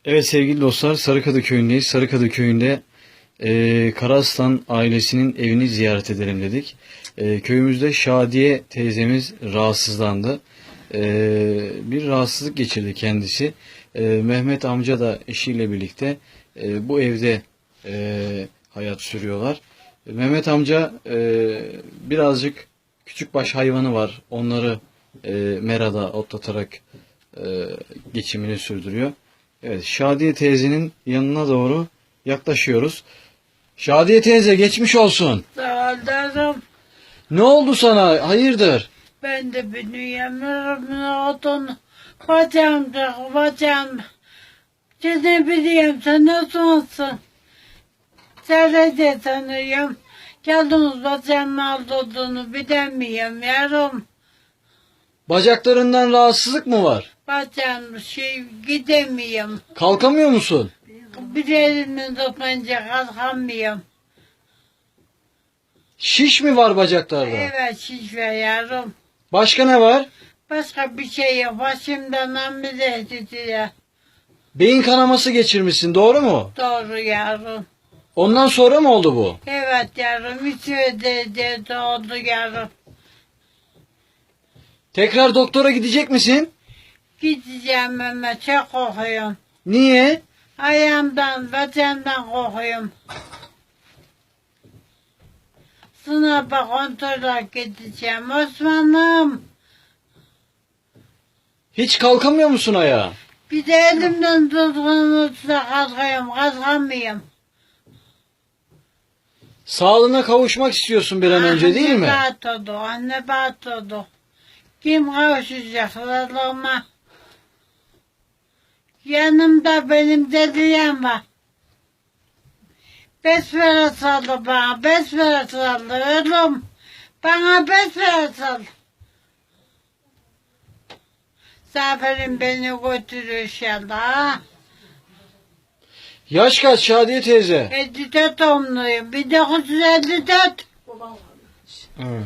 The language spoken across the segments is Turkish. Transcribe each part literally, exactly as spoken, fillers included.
Evet sevgili dostlar, Sarıkadı köyündeyiz. Sarıkadı köyünde e, Karaslan ailesinin evini ziyaret edelim dedik. E, köyümüzde Şadiye teyzemiz rahatsızlandı. E, bir rahatsızlık geçirdi kendisi. E, Mehmet amca da eşiyle birlikte e, bu evde e, hayat sürüyorlar. E, Mehmet amca e, birazcık küçükbaş hayvanı var. Onları e, merada otlatarak e, geçimini sürdürüyor. Evet, Şadiye teyzenin yanına doğru yaklaşıyoruz. Şadiye teyze geçmiş olsun. Sağ ol. Ne oldu sana? Hayırdır? Ben de bilmiyorum. Otun bacağım da bacağım. Seni biliyorum. Sen nasılsın? Seni de tanıyorum. Yalnız bacağımın aldığını bilemiyorum yavrum. Bacaklarından rahatsızlık mı var? Bacağım şey gidemiyorum. Kalkamıyor musun? Bir elimle dokunca kalkamıyorum. Şiş mi var bacaklarda? Evet şiş ver yavrum. Başka ne var? Başka bir şey yok. Başımdan ameliyat ediyor. Beyin kanaması geçirmişsin, doğru mu? Doğru yavrum. Ondan sonra mı oldu bu? Evet yavrum. Üç de doğdu yavrum. Tekrar doktora gidecek misin? Gideceğim ama çok korkuyorum. Niye? Ayağımdan, bacağımdan korkuyorum. Sınava kontrole gideceğim Osman'ım. Hiç kalkamıyor musun ayağa? Bir de elimden tuttuğumuzda kalkıyorum, kalkamıyorum. Sağlığına kavuşmak istiyorsun bir an önce, değil mi? Anne batırdı, anne batırdı. Kim kavuşacak Allah'ıma? Yanımda benim dediyem var. Besmele saldı bana, besmele saldı oğlum. Bana besmele saldı. Zaferim beni götürüyor inşallah. Yaş kaç Şadiye teyze? elli dört doğumluyum, bin dokuz yüz elli dört. Evet.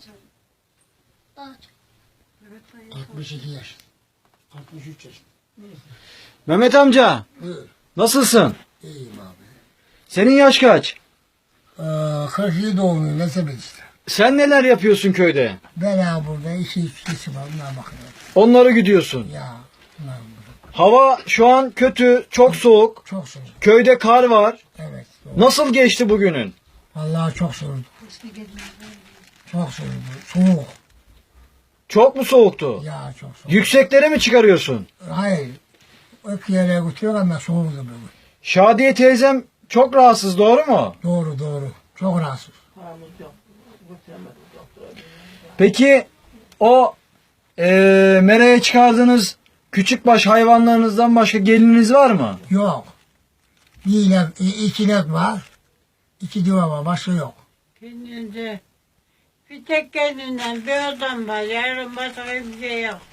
altmış iki yaş. altmış üç yaş. Mehmet amca, Buyur. nasılsın? İyiyim abi. Senin yaş kaç? Ee, kırk yedi doğumluyum. Ne sebep işte. Sen neler yapıyorsun köyde? Ben ha burada iki üç kişi var. Bunlar bakıyorum. Onları gidiyorsun. Ya. Bunlar burada. Hava şu an kötü, çok soğuk. Çok soğuk. Köyde kar var. Evet. Doğru. Nasıl geçti bugünün? Vallahi çok soğuk. Çok soğuk. Soğuk. Çok mu soğuktu? Ya çok soğuk. Yükseklere mi çıkarıyorsun? Hayır. Öp yere götürüyor ama soğuktu bugün. Şadiye teyzem çok rahatsız, doğru mu? Doğru doğru. Çok rahatsız. Peki o eee meraya çıkardığınız küçükbaş hayvanlarınızdan başka gelininiz var mı? Yok. Bir inek, iki inek var. İki duva var. Başka yok. Kendinde bir tek kendinden bir adam var, yarın başka bir şey yok.